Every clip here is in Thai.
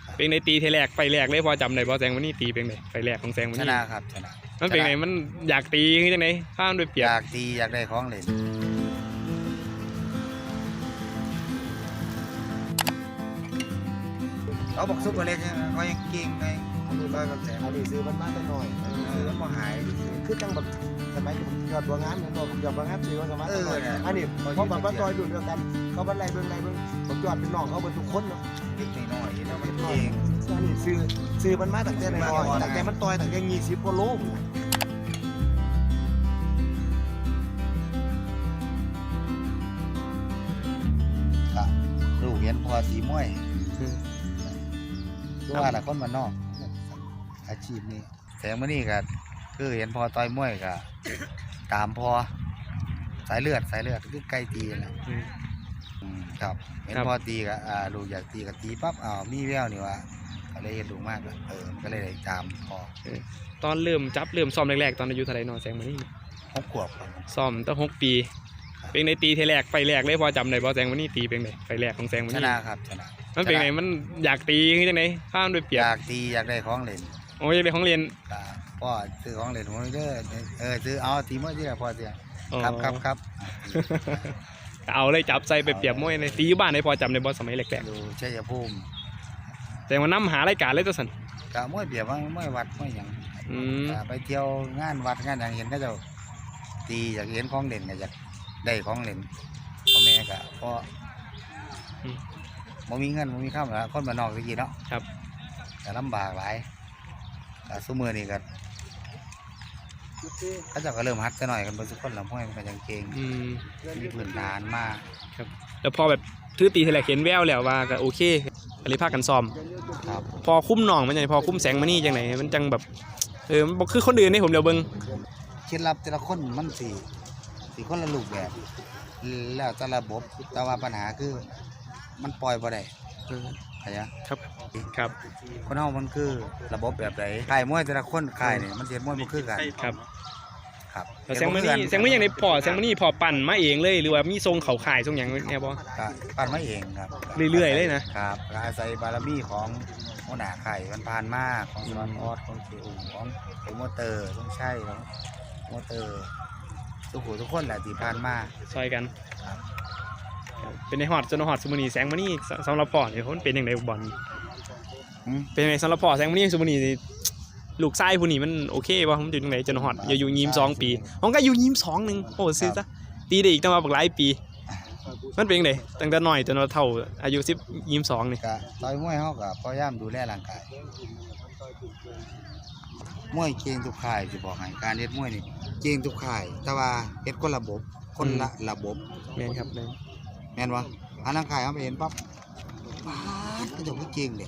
เป็นในตีเทแรกไฟแรกเลยพอจำได้พอแสงวันนี้ตีเป็นไงไฟแรกของแสงวันชนี้นะครับชนะมันเป็นไงมันอยากตีขึ้นจังไหนข้ามด้วยเปียอก ยากตีอยากได้ของเล่นเขาบอกซุปเปอร์เล็กเนี่ยเขายังเก่งไงเขาดูร้อยกับแสนอันนี้ซื้อมันมาแต่น้อยซื้อมันก็หายคือจังแบบสมัยผมยอดบัวงามเหมือนบอกยอดบัวงามซื้อมันสมัยแต่น้อยอันนี้เพราะแบบว่าต่อยดูเดียวกันเขาบันไลเบิ่งผมยอดเป็นน้องเขาเป็นทุกคนเนาะเล็กน้อยแล้วมันเก่งอันนี้ซื้อมันมาตั้งแต่น้อยตั้งแต่มันต่อยตั้งแต่20กว่าโลก็ลูกเห็นพอสีม้วยคือว่าละคนมานนอก อาชีพนี้แสงมื้อนี้ก็คือเห็นพอต่อยมวยก็ตามพอสายเลือดคือไก่ตีนั่นแหละครับเห็นพอตีก็ลูกอยากตีก็ตีปั๊บมีแววนี่ว่าก็เลยเห็นลูกมากเลยก็เลยได้ตามพอตอนเริ่มซ้อมแรกๆตอนอายุเท่าไหร่นอแสงวันนี้ 6 ขวบครับซ้อมตั้ง6 ปีเป็นในตีเทแรกไฟแรกเลยพอจำได้พอแสงวันนี้ตีเป็นไงไฟแรกของแสงวันชนี้นะครับชนะมันเป็นไงมันอยากตีขึ้นจังไหนข้ามด้วยเปีอยกยากตีอยากได้ของเล่นโอ้ยเป็นของเรียนก็พ่อซื้อของเล่นผมเด้อซื้อเอาตีมวยที่ละพอเสียอ๋อครับเอาเลยจับใส่ไปเปรียบมวยเลยตีอยู่บ้านได้พอจำได้บอสมัยแรกดูชัยภูมิๆแต่ว่าน้ำหารายการเลยตัวสันก็มวยเบียบว่ามวยวัดมวยหยังอืมก็ไปเที่ยวงานวัดงานอย่างเห็นก็จะตีอยากเห็นของเล่นก็อยากได้ของเล่นพ่อแม่ก็พ่อบ่มีเงินบ่มีข้าวแล้วคนบ้านนอกตะกี้เนาะครับก็ลำบากหลายก็ซุมื้อนี้ก็เขาเจ้าก็เริ่มฮัดซะหน่อยกันเบิ่ทุกคนละมวยมันก็ยังเก่งอืมมีพื้นฐานมาแล้วพอแบบถือตีเทแรกเห็นแววแล้วว่าก็โอเคอะไรพากันซ้อมครับพอคุ้มน้องมันยังไงพอคุ้มแสงมานี่จังไหนมันจังแบบมันบอกคือคนอื่นนี่ผมเดี๋ยวเบิ่งเคล็ดลับแต่ละคนมันสิคนละรูปแบบ แล้วแต่ระบบแต่ว่าปัญหาคือมันปล่อยบ่ได้เข้าใจครับคนเฮามันคือระบบแบบไหนค่ายมวยแต่ละคนค่ายนี่มันเสียมวยบ่คือกันครับครับแล้วแสงมานี่อย่างในพอแสงมานี่พอปั่นมาเองเลยหรือว่ามีทรงเขาขายทรงอย่างเนี่ยบอก็ปั้นมาเองครับเรื่อยๆเลยนะครับก็อาศัยบารมีของหัวหน้าค่ายมันผ่านมาของสอนออดของเสียอุ่มของโปรโมเตอร์ต้องใช่ของโปรโมเตอร์ทุกคนแหละที่ผ่านมาซอยกันเป็นในฮอดจนฮอดสมุนีแสงมานี่สำหรับพอเนี่ยมันเป็นอย่างไรบอลเป็นยังไงสำหรับพอแสงมานี่สมุนีลูกไส้ผู้นี้มันโอเคป่ะผมอยู่ตรงไหนจนฮอดอยู่22 ปีผมก็อยู่22นึงโอ้ซื้อซะตีได้อีกตั้งมาบักหลายปีมันเป็นยังไงตั้งแต่น้อยจนเท่าอายุ22นี่ก็ต่อยมวยเฮาก็พยายามดูแลร่างกายมวยเก่งทุกค่ายสิบอกให้การเฮ็ดมวยนี่เก่งทุกค่ายแต่ว่าเฮ็ดคนละระบบแม่นครับแม่นแม่นบ่อันร่างกายเฮาไปเห็นปั๊บป๊าดก็จะเก่งเด้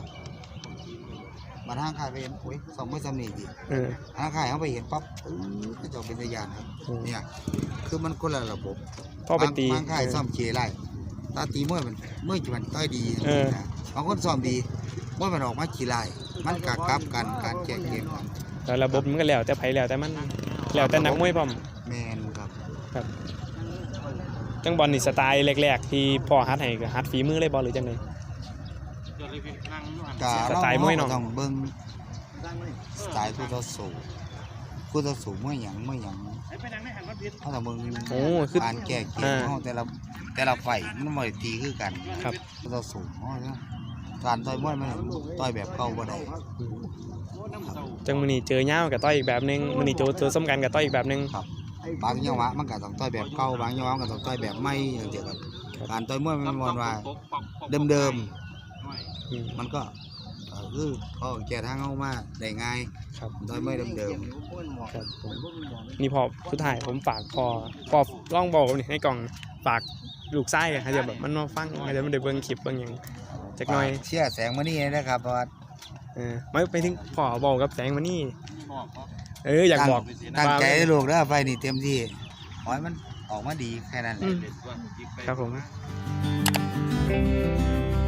มาทางค่ายไปเห็นโอ้ยสองมือสำนีดิทางค่ายเฮาไปเห็นปั๊บก็จะเป็นตะยานครับเนี่ยคือมันคนละระบบพ่อไปตีบางค่ายซ้อมเคไล่ตาตีมวยมันต้อยดีนะบางคนซ้อมดีมวยมันออกมาขี้ไล่มันกะกับกันการแก้เกมกันแล้วระบบมันก็แล้วแต่ไผแล้วแต่มันแล้วแต่นักมวยพร้อมแม่นครับจังบอลนี่สไตล์แรกๆที่พ่อฮัดให้ก็ฮัดฝีมือเลยบอลหรือจังได สไตล์มวยเนาะต้องเบิ่งสไตล์คู่ต่อสู้มวยหยังเขาต้องเบิ่งโอ้คือการแก้เกมเฮาแต่ละไฟมันบ่ได้ตีคือกันครับคู่ต่อสู้เฮาการต่อยมวยมันต่อยแบบเก่าบ่ได้จังมื้อนี้เจอยาวกับต้อยอีกแบบนึงมื้อนี้เจอซ้ำกันกับต้อยอีกแบบนึงบางจังหวะมันก็ต้องต่อยแบบเก่าบางจังหวะมันก็ต้องต่อยแบบใหม่จังซี่ครับการต่อยมวยมันบ่ว่าเดิมๆมันก็คือเขาแก้ทางเฮามาได้ง่ายครับต่อยมวยเดิมครับผมนี่พอสุดท้ายผมฝากพอลองบอกนี่ให้กล่องฝากลูกไส้ให้จะแบบมันมาฟังให้จะมันได้เบิ่งคลิปเบิ่งหยังจักหน่อยเชื่อแสงมานี่นะครับเพราะว่าไม่ไปถึงพ่อบอกกับแสงมานี่อยากบอกตั้งใจให้ลูกเด้อไปนี่เต็มที่ขอให้มันออกมาดีแค่นั้นแหละครับผม